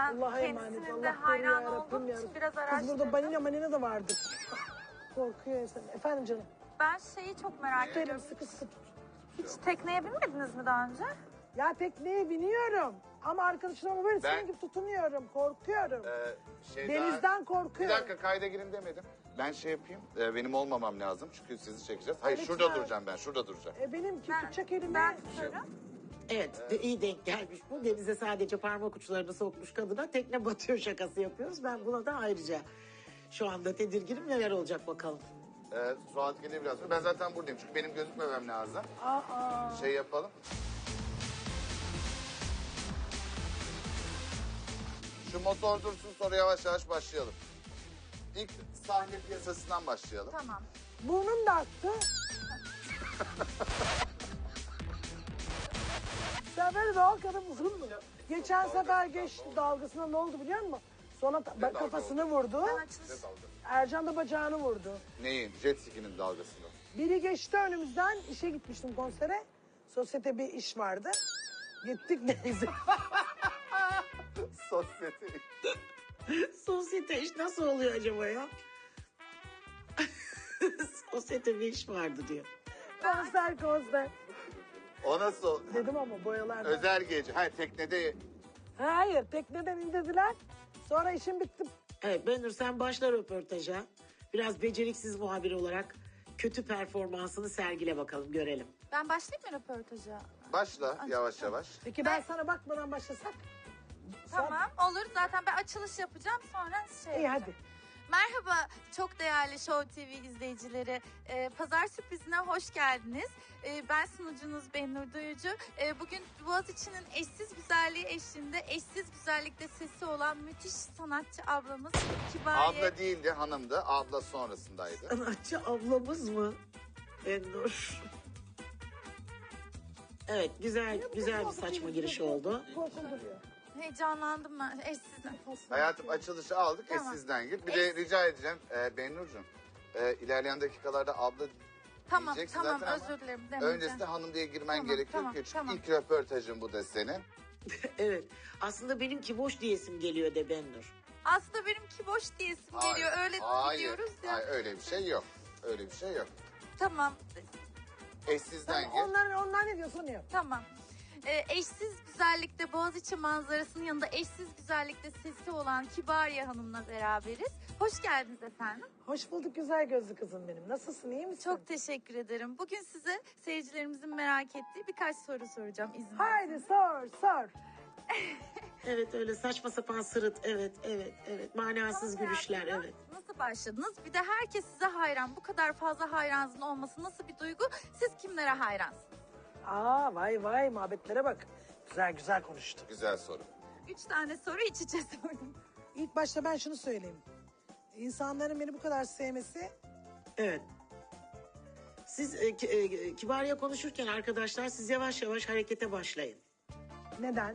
Ben Allah'a emanet. kendisinin de Allah hayran koruyor olduğum yarabbim için ya. biraz Kız araştırdım. burada balina da vardı. Korkuyor insan. Efendim canım. Ben şeyi çok merak Benim ediyorum. sıkı sıkı tut. Hiç tekneye binmediniz mi daha önce? Ya tekneye biniyorum. Ama arkadaşlarıma böyle Ben- senin gibi tutunuyorum. Korkuyorum. Şey Denizden daha... Bir korkuyorum. dakika kayda girin demedim. Ben şey yapayım. Benim olmamam lazım çünkü sizi çekeceğiz. Hayır Lütfen. şurada duracağım ben. Şurada duracağım. Benim Ben, tutacak elime. ben tutarım. Evet, iyi denk gelmiş bu. Denize sadece parmak uçlarını sokmuş kadına tekne batıyor şakası yapıyoruz. Ben buna da ayrıca şu anda tedirginim, neler olacak bakalım. Suat geliyor biraz sonra. Ben zaten buradayım çünkü benim gözükmemem lazım. Aa. Şey yapalım. Şu motor dursun sonra yavaş yavaş başlayalım. İlk sahne piyasasından başlayalım. Tamam. Burnum da aktı. Sen böyle doğal kadın mısın mı? Geçen sefer geçti dalgasına, ne oldu biliyor musun? Sonra dalga kafasını vurdu. Ben açılış... Ercan da bacağını vurdu. Neyin? Jet ski'nin dalgasını. Biri geçti önümüzden, işe gitmiştim konsere. Sosyete bir iş vardı. Gittik neyse. Sosyete. Sosyete iş nasıl oluyor acaba ya? Sosyete bir iş vardı diyor. konser. O nasıl? Dedim ama boyalardan. Özel gece. Hayır teknede. Hayır, tekneden indirdiler. Sonra işim bitti. Evet Benur, sen başla röportaja. Biraz beceriksiz muhabir olarak kötü performansını sergile bakalım, görelim. Ben başlayayım mı röportaja? Başla yavaş yavaş. Peki ben sana bakmadan başlasak? Tamam olur. Zaten ben açılış yapacağım sonra şey İyi yapacağım. hadi. Merhaba çok değerli Show TV izleyicileri. Pazar sürprizine hoş geldiniz. Ben sunucunuz Benur Duyucu. Bugün Boğaziçi'nin eşsiz güzelliği eşliğinde eşsiz güzellikte sesi olan müthiş sanatçı ablamız Kibariye. Abla değildi hanımdı. Abla sonrasındaydı. Sanatçı ablamız mı? Benur. Evet, güzel bir saçma giriş oldu. Korkulduruyor. Heyecanlandım ben eşsizden. Hayatım açılışı aldık. Tamam. Sizden gir. Bir de rica edeceğim Benurcuğum. İlerleyen dakikalarda abla Tamam diyeceksin tamam zaten ama özür dilerim. demeyeceğim. öncesinde hanım diye girmen Tamam, gerekiyor tamam, ki. Çünkü tamam. ilk röportajın bu da senin. Evet, aslında benimki boş diyesim geliyor de Benur. Aslında benimki boş diyesim geliyor. Öyle gidiyoruz ya. Hayır öyle bir şey yok. Öyle bir şey yok. Tamam Eşsizden gir. Onlar ne diyorsa onu yap. tamam. Eşsiz güzellikte Boğaziçi manzarasının yanında eşsiz güzellikte sesi olan Kibariye Hanım'la beraberiz. Hoş geldiniz efendim. Hoş bulduk güzel gözlü kızım benim. Nasılsın, iyi misin? Çok teşekkür ederim. Bugün size seyircilerimizin merak ettiği birkaç soru soracağım izin Haydi sor. Evet, öyle saçma sapan sırıt, evet, manasız gülüşler, evet. Nasıl başladınız? Bir de herkes size hayran. Bu kadar fazla hayranınızın olması nasıl bir duygu? Siz kimlere hayransınız? Aa vay muhabbetlere bak. Güzel konuştu. Güzel soru. 3 tane soru iç içe sordum. İlk başta ben şunu söyleyeyim. İnsanların beni bu kadar sevmesi Evet. Siz Kibariye konuşurken arkadaşlar siz yavaş yavaş harekete başlayın. neden?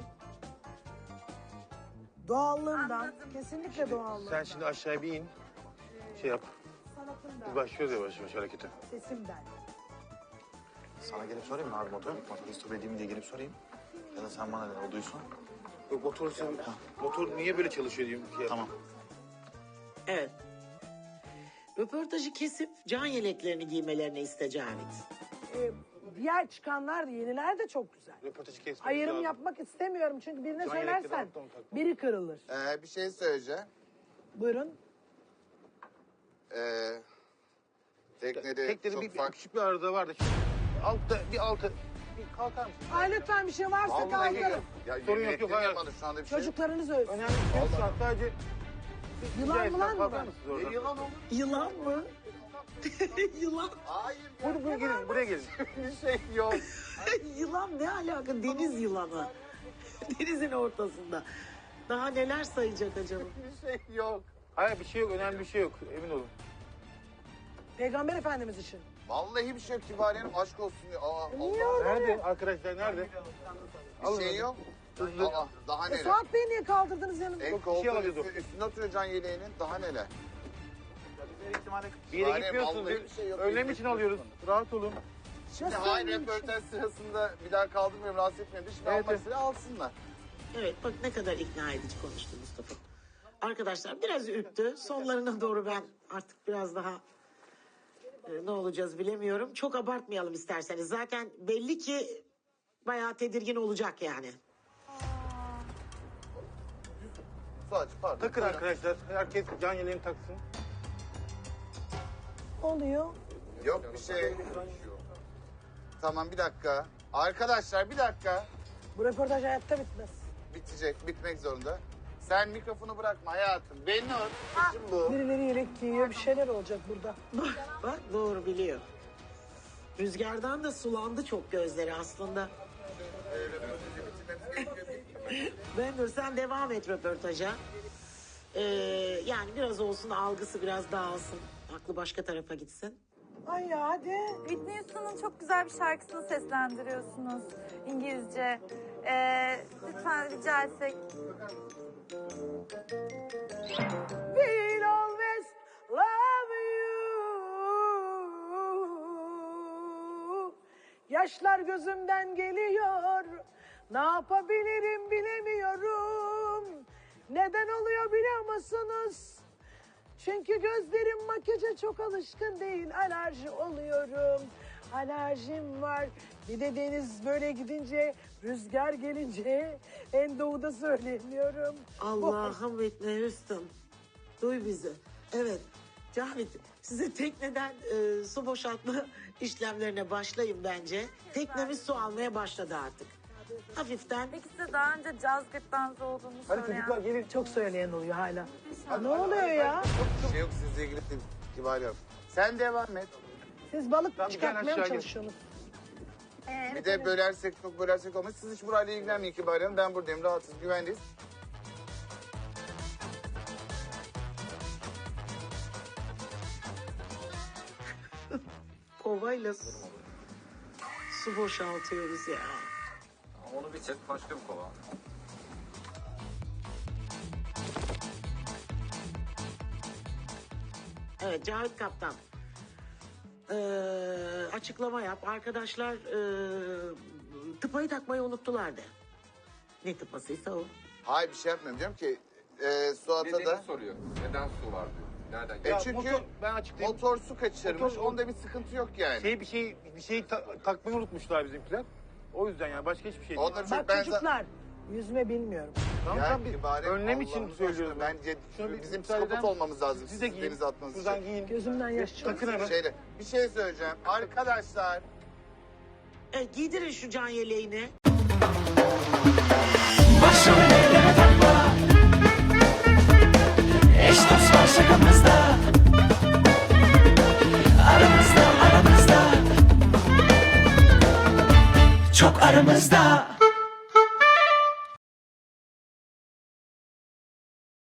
Doğallığından. Anladım. Kesinlikle doğallığından. Sen şimdi aşağıya bir in. Şey yap. Sanatından, Biz başlıyoruz yavaş yavaş harekete. sesimden. Sana gelip sorayım mı abi motor? Motoru stop edeyim diye gelip sorayım. Ya da sen bana de o duysun. Yok motor niye böyle çalışıyor diyeyim. Şey Tamam. Evet. Röportajı kesip can yeleklerini giymelerini iste Cavit. Diğer çıkanlar da yeniler de çok güzel. Röportajı kesmemiz Ayrım lazım. yapmak istemiyorum çünkü birine Can yelekleri söylersen alttan takma. biri kırılır. Bir şey söyleyeceğim. Buyurun. Teknede Tekleri çok bir farklı. küçük bir arıza vardı. Altı bir kalkar mısın? Ay lütfen bir şey varsa Vallahi kaldırın. Ya Sorun yok, yönettim hayır. ya bana şu anda bir şey. Çocuklarınız ölsün. Önemli bir şey yok. Sadece Yılan mı kalkar var? mısınız oradan? Yılan olur. Yılan mı? Yılan. Hayır. Buraya gelin, buraya gelin. Bir şey yok. Yılan ne alaka? Deniz yılanı. Denizin ortasında. Daha neler sayacak acaba? Bir şey yok. Hayır bir şey yok, önemli bir şey yok. Emin olun. Peygamber Efendimiz için. Vallahi bir şey yok Kibariye'nin aşk olsun ya. Aa, Niye Allah. öyle? Nerede? Arkadaşlar nerede? Bir şey yok. Aa, daha neler. Suat Bey'i niye kaldırdınız yanımda? En Yok, bir koltuğun şey alacağız üstüne oturuyor can yeleğinin. Daha neler. Bir yere Bari gitmiyorsunuz. vallahi bir şey yok. Önlem için alıyoruz. Rahat olun. Şimdi Nasıl hayır önlem için? röportaj sırasında bir daha kaldırmıyorum rahatsız etmiyorum. Şimdi Evet, almak istedi alsınlar. Evet bak ne kadar ikna edici konuştu Mustafa. Arkadaşlar biraz ürktü. Sonlarına doğru ben artık biraz daha ne olacağız bilemiyorum. Çok abartmayalım isterseniz. Zaten belli ki bayağı tedirgin olacak yani. Suat'cığım pardon. Takın Buyurun. arkadaşlar. Herkes can yeleğini taksın. Oluyor. Yok bir şey. Tamam bir dakika. Arkadaşlar bir dakika. Bu röportaj hayatta bitmez. Bitecek, bitmek zorunda. Sen mikrofonu bırakma hayatım. Benur, işim bu. Birileri yelek giyiyor, bir şeyler olacak burada. Bak doğru biliyor. Rüzgardan da sulandı çok gözleri aslında. Benur sen devam et röportaja. Yani biraz olsun algısı biraz dağılsın. Aklı başka tarafa gitsin. Ay ya hadi. Whitney Houston'un çok güzel bir şarkısını seslendiriyorsunuz İngilizce. Lütfen rica etsek. We'll always love you. Yaşlar gözümden geliyor. Ne yapabilirim bilemiyorum. Neden oluyor biliyor musunuz? Çünkü gözlerim makyaja çok alışkın değil. Alerji oluyorum. Alerjim var. Bir de deniz böyle gidince, rüzgar gelince en doğuda söyleyemiyorum. Allah'ım Whitney Houston. Duy bizi. Evet. Cahit size tekneden su boşaltma işlemlerine başlayın bence. Teknemiz su almaya başladı artık. Hafiften. Peki size daha önce caz gırtlağınızı olduğunu Hadi söyleyen... çocuklar gelin. Çok söyleyen oluyor hala. Ne oluyor ya? Bir şey yok sizle ilgili değil. Kibar yap. Sen devam et. Siz balık Tamam, gel çıkartmaya mı aşağı gel. çalışıyorsunuz? Bir de bölersek çok bölersek olmaz. Siz hiç burayla ilgilenmeyin Kibar Hanım. Ben buradayım. Rahatsız, güvendeyiz. Kovayla su boşaltıyoruz ya. Onu bir çek başka bir kova. Evet Cahit Kaptan. Açıklama yap. Arkadaşlar tıpayı takmayı unuttular de. Ne tıpasıysa o. Hayır bir şey yapmıyorum. Diyorum ki Suat'a Nedenini da... soruyor. Neden su var diyor. Nereden E geliyor? çünkü motor, ben açıklayayım. motor su kaçırmış. Motor- Onda bir sıkıntı yok yani. Bir şey takmayı unutmuşlar bizimkiler. O yüzden yani başka hiçbir şey değil. Onlar Bak ben çocuklar, yüzme bilmiyorum. Tamam Ya tamam biz Kibar Hanım, önlem için Allah'ınızı söylüyorum. aşkına, Bence Şunu bir bizim müsaade psikopat eder olmamız lazım. Siz Siz de giyin. denize atmanız Şuradan için. giyin. Gözümden yaş çıkıyor. Takın hemen. Bir şey söyleyeceğim. Arkadaşlar Giydirin şu can yeleğini. Başım ellere takma. Eş dost var şakamızda. Aramızda. Çok aramızda.